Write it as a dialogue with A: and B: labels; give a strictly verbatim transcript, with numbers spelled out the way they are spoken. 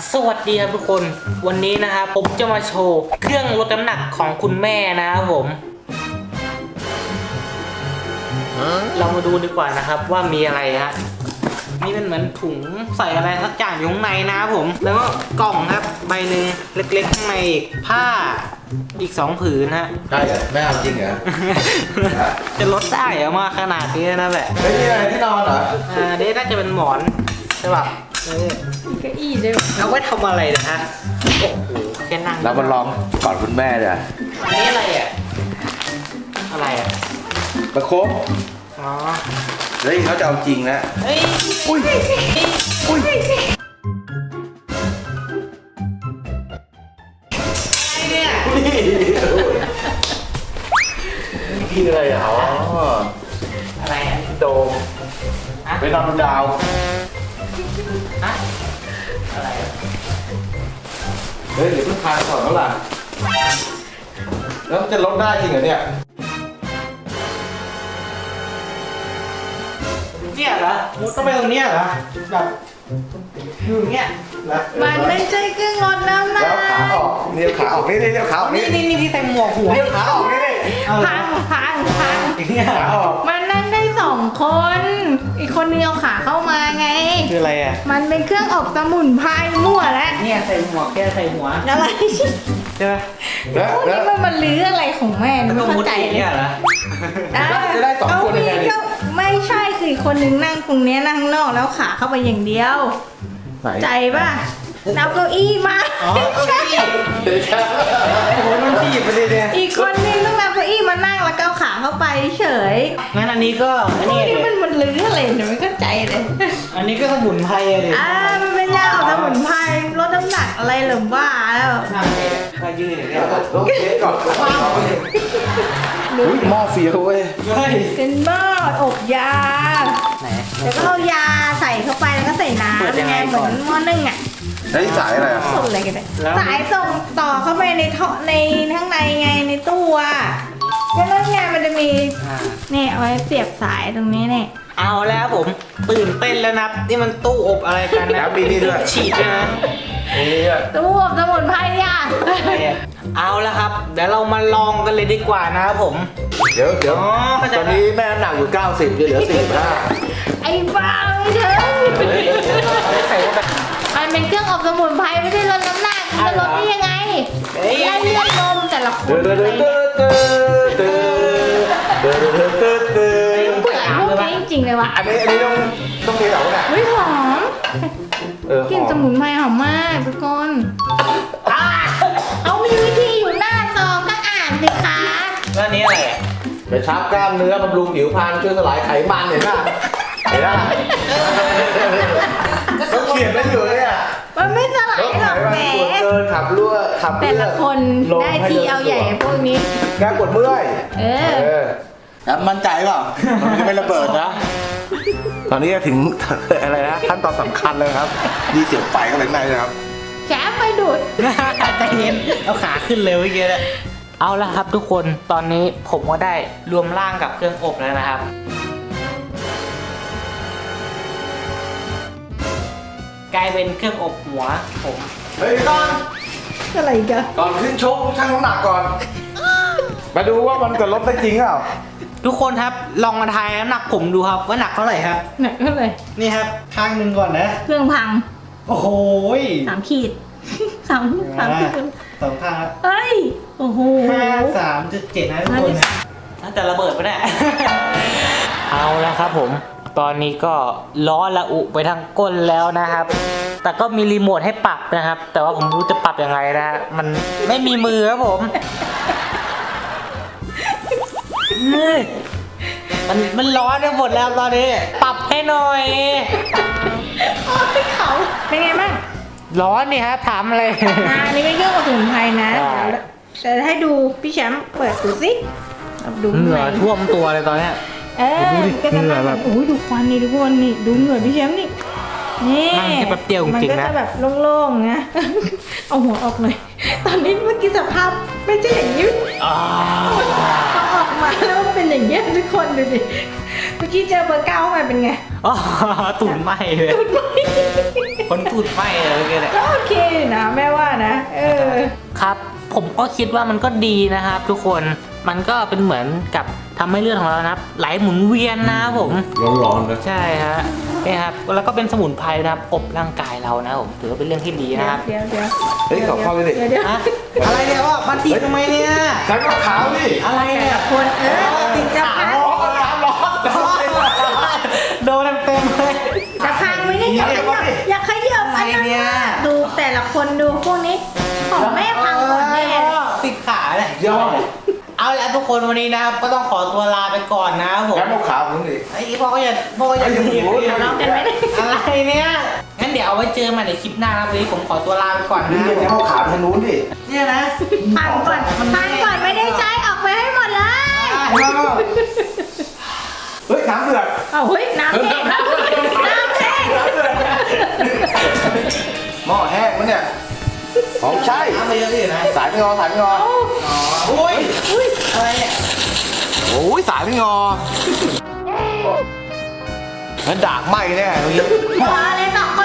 A: สวัสดีครับทุกคนวันนี้นะครับผมจะมาโชว์เครื่องลดน้ำหนักของคุณแม่นะครับผมเรามาดูดีกว่านะครับว่ามีอะไรฮะนี่เป็นเหมือนถุงใส่อะไรสักอย่างอยู่ข้างในนะครับผมแล้วก็กล่องครับใบหนึ่งเล็กๆข้างในอีกผ้าอีกสองผืนฮะ
B: ได้เหรอแม่เอาจริงเหรอ
A: จะลดได้เหรอมาขนาดนี้นะแหละ
B: เฮ้ยนี่อะไรที่นอนเหรอ
A: อ่าเดี๋ยวน่าจะเป็นหมอนใช่ป่ะเออ
C: เก้าอี้ด้วย
A: เอาไว้ทำอะไรนะฮะโอ้โหแค่นั่ง
B: เรามาลองก่อนคุณแม่เลย
A: อันนี้อะไรอ่ะอะไรอ่ะ
B: ประคบ
A: อ๋อ
B: เฮ้ยเขาจะเอาจริงนะ
A: เฮ้ย
B: อุ้ยอุ้ย
A: อะไรเนี่ย
B: กินอะไรอ่ะอ๋อ
A: อะไรอ่ะ
B: โดม
A: ฮะ
B: ไปนอนบนดาว
A: ฮะอะไรอ่ะ
B: เฮ้ยเดี๋ยวเพิ่งทานก่อนเท่าไหร่แล้วมันจะลดได้จริงเหรอเนี่ย
A: เนี่ยเหรอมุดต้องไปตรงเนี้ยเหรอแบบอยู่อย่างเงี้ยเหรอ
C: มันไม่ใช่เครื่องลดน้ำหนั
B: แล้ว
C: ก
B: ขาออกนี่ขาออกนี่นี่ขาออก
A: นี่
B: นี่
A: นี่นี่ที่ใส่หมวกหัว
B: นี่ขาออกนี่นี่
A: เอาเหรอ
C: พังพังพัง
A: อย่างเงี้ยเหร
B: ขา
A: อ
B: ออก
C: มันนั่งได้สองคน อีกคนนึงเอาขาเข้ามาไง
A: คืออะไรอ่ะ
C: มันเป็นเครื่องอบสมุนไพรมั่วแล้ว
A: เนี่ยใส่หมวกแค่ใส่หัว
C: อะไร
A: ใช่ไหม
B: แล้ว
C: พวก
B: แล้ว
C: นี้มันมันลื้ออะไรของแม่
A: แล้ว
C: ไม่
A: ก็
C: เข้า
A: มุด
C: ใจ
A: อย่าง
C: เลย
A: เงี้ยเหรอ
C: อ่ะ
B: จะได้สองคนยังไงดิ
C: ก็ไม่ใช่คืออีกคนนึงนั่งตรงเนี้ยนั่งข้างนอกแล้วขาเข้าไปอย่างเดียว
B: ไหน
C: ใจป่ะนับเก้าอี้มา
A: อ๋อ
C: ไม่ใช่
B: เดี๋ยวจะ
A: โอ้โหมันที่หยิบไปเลยเนี่ย
C: อีกคนนึงต้องนับเก้าอี้มานั่งแล้วก็เอาขาเข้าไปเฉย
A: งั้นอันนี้ก็อัน
C: พว
A: นี้
C: กนี้มันมันลื้ออะไรเนี่ยไม่เข้าใจเลย
A: อันนี้ก็สมุนไพรอะดิ
C: อ่ามันเป็นยาออกสมุนไพรลดน้ำหนักอะไรหรือว่าแล้ว
A: นั่งเลยถ้ายืนอย่างเงี้ยเหรอ
B: ต้องเช็คก่อนอุ้ยหม้อเฟี้ยวเว้ย
A: เฮ้ย
C: เป็นหม้ออบยา
A: ไหน
C: แล้วก็เอายาใส่เข้าไปแล้วก็ใส่น้
A: เปิดยัง
C: ำ
A: ไง
C: ไงเหมื
A: ก่
C: อ
A: อน
C: นหม้อนึ่งอ่ะ
B: แล้วนี่สายอะไรอ่ะ
C: ส่งอะไรกันเนี่ย
A: แล้ว
C: สายส่งต่อเข้าไปในท่อในข้างในไงในตู้อ่ะก็นั่นไงมันจะมี
A: อ่า
C: เนี่ยเอาไว้เสียบสายตรงนี้เนี่ย
A: เอาแล้วผมตื่นเต้นแล้วนะนี่มันตู้อบอะไรกันนะ
B: แล้วมีนี่ด้วย
A: ฉีดด้วยนะ
B: นี่อ่ะ
C: ตู้อบสมุนไพรอ่ะ
A: อะไรอะเอาแล้วครับ เดี๋ยวเรามาลองกันเลยดีกว่านะครับผม
B: เดี๋ยวเดี๋ยว
A: อ๋อเข้าใจ
B: ตอนนี้แม่น้ำหนักอยู่เก้าสิบจะเหลือสี่สิบห้า
C: ไอ้บ้าไม่ใช่
A: ใส่เข้าไป
C: มันเป็นเครื่องอบสมุนไพรไม่ใช่ลดน้ำหนักมันจะลดได้ยังไง
A: เฮ้ย
C: และเลือดนมแต่ละค
B: เดือน ดเดือด
C: อะไร
B: เดื
C: เนี่ย
B: ดเดือดเดือดเดือดเดือดเดือดเดือด
C: เบื่อพวกนี้จริงๆเลยวะ
B: อันนี้อันนี้ต้องต้องเทเหรอเนี่ย
C: เฮ้ยหอม
B: เออก
C: ลิ่นสมุนไพรหอมมากทุกคนอ่าเอามีวิธีอยู่หน้าซองก็อ่านสิคะ
A: แล้วอันนี้อะไรอ่ะ
B: ไปชับกล้ามเนื้อบำรุงผิวพรรณช่วยสลายไขมันเห็นป่ะเห็นป่ะเขาเขียนไว้อยู่เลยอ่ะ
C: มันไม่สลาย
B: ลด
C: หร
B: ไข
C: อก
B: มัน
C: แหม
B: ส่วนเกินขับรั่วขับ
C: แต่
B: เลือ
C: ละ
B: ด
C: คนได้ทีเอาใหญ่พวกนี้
B: แก้ปวดเมื่อย
C: เออ
B: ครับมั่นใจเปล่ามันจะไม่ระเบิดนะ ตอนนี้ถึง อะไรนะขั้นตอนสำคัญเลยครับดีเสียงไฟกันเลยในนะครับ
C: แฉไปดูด
A: ใจเย็นเอาขาขึ้นเลยเมื่อกี้เลยเอาละครับทุกคนตอนนี้ผมก็ได้รวมร่างกับเครื่องอบแล้วนะครับ กลายเป็นเครื่องอบหัวผม
B: เฮ้ยก่อน
C: อะไรกัน
B: ก่อนขึ้นชกชั่งน้ำหนักก่อน มาดูว่ามันจะลดได้จริงเปล่า
A: ทุกคนครับลองมาทายน้ำหนักผมดูครับว่าหนักเท่าไหร่ครับ
C: ไหนก็เลย
A: นี่ครับข้างหนึ่งก่อนนะ
C: เครื่องพัง
A: โอ้โห
C: สามขีดสามสามขีด
A: สองข้างครับ
C: เอ้ยโอ้โห
A: ห้าสามจุดเจ็ดนะทุกคนนะน่าจะระเบิดปะเนี่ย เอาแล้วครับผม ตอนนี้ก็ล้อละอุไปทางก้นแล้วนะครับ แต่ก็มีรีโมทให้ปรับนะครับ แต่ว่าผมไม่รู้จะปรับยังไงนะฮะมันไม่มีมือครับผมนี่มันมันร้อนไปหมดแล้วตอนนี้ ปรับให้หน่อย
C: โอ้ยเขาเป็นไงบ้าง
A: ร้อนนี่ฮะถามอะไร
C: อ่าอันนี้เป็นเครื่องอบสมุนไพรนะ
A: อ่า
C: เดี๋ยวให้ดูพี่แชมป์เปิดดูสิเอาดู
A: เหงื่อ
C: ข้างใน
A: ท่วมตัวเลยตอนเนี้ย
C: เออ
A: ดูดิ
C: ก็จะ
A: เหงื่
C: นั่
A: องแบบ
C: โอ้ยดูควันนี่ทุกคนนี่ดูเหงื่อพี่แชมป์นี่นี่
A: นั่งแค่แป๊บเดียวจริงๆนะ
C: มันก็จะแบบโล่งๆนะ เอาหัวออกหน่อยตอนนี้เมื่อกี้สภาพไม่ใช่อย่างนี้
A: อ่า
C: พอออกมาแล้วมันเป็นอย่างเงี้ยทุกคนดูดิเมื่อกี้เจอเบอร์เก้าเข้ามาเป็นไง
A: อ๋อตูดไหมเลย
C: ตุดไหม
A: คนตูดไหมเลยเมื่อกี้เนี่ย
C: ก็โอเคนะแม่ว่านะเออ
A: ครับ ผมก็คิดว่ามันก็ดีนะครับ ทุกคนมันก็เป็นเหมือนกับทำให้เลือดของเรานะครับไหลหมุนเวียนนะครับผม
B: ร้อนๆนะ
A: ใช่ฮะนี่ครับแล้วก็เป็นสมุนไพรนะครับอบร่างกายเรานะผมถือว่าเป็นเรื่องที่ดีนะครับ
C: เดี๋ยวเดี๋ยว
B: เฮ้ยขอเข้าไปดิ
C: เดี๋ยวเดี๋ยว
A: อะอะไรเนี่ยว่ามาถีบทำไมเนี่ย
B: ฉันก็ขาวดิ
A: อะไรเนี่ย
C: คนเออติดจะพัง
B: ร้อนร้อนร้อน
A: โดนเต็มๆเลย
C: จะพังไหมเนี่ยอย่าขยับอย่าขยับ
A: อะไรเนี่ย
C: ดูแต่ละคนดูพวกนี้ของแม่พังหมดแน่
A: ติดขาเลย
B: ยอม
A: เอาละทุกคนวันนี้นะครับก็ต้องขอตัวลาไปก่อนนะครับผม
B: งั้นเอาขาวผมดิ
A: ไอ้พ่อก็อย่าพ่อก็อย่า
B: ไอ้
A: ถีบ
B: โอ้โห
C: เรากันไม่ได้
A: อะไรเนี่ยงั้นเดี๋ยวเอาไว้เจอมาในคลิปหน้านะวันนี้ผมขอตัวลาไปก่อน
B: นี่
A: นะ
B: ยังไงเอาขาวทางนู้นดิ
A: เนี่ยนะ
C: พังก่อนพังก่อนไม่ได้ใช้ออกไปให้หมดเลย
B: เฮ้ยน้ำเดือด
C: เอาเฮ้ยน้ำแห้งน้ำแห้งน้ำแห้ง
B: หม้อแห้งมันเนี่ยของใช่
A: น้ำไปเยอะดินะ
B: สายไม่งอสายไม่งอ
A: โอ้ยอุ้ยอะไรเนี่ย
B: โอ้ยสายไม่งอมันด่างไหมแน่เมื่อกี้
C: พอเลยสองค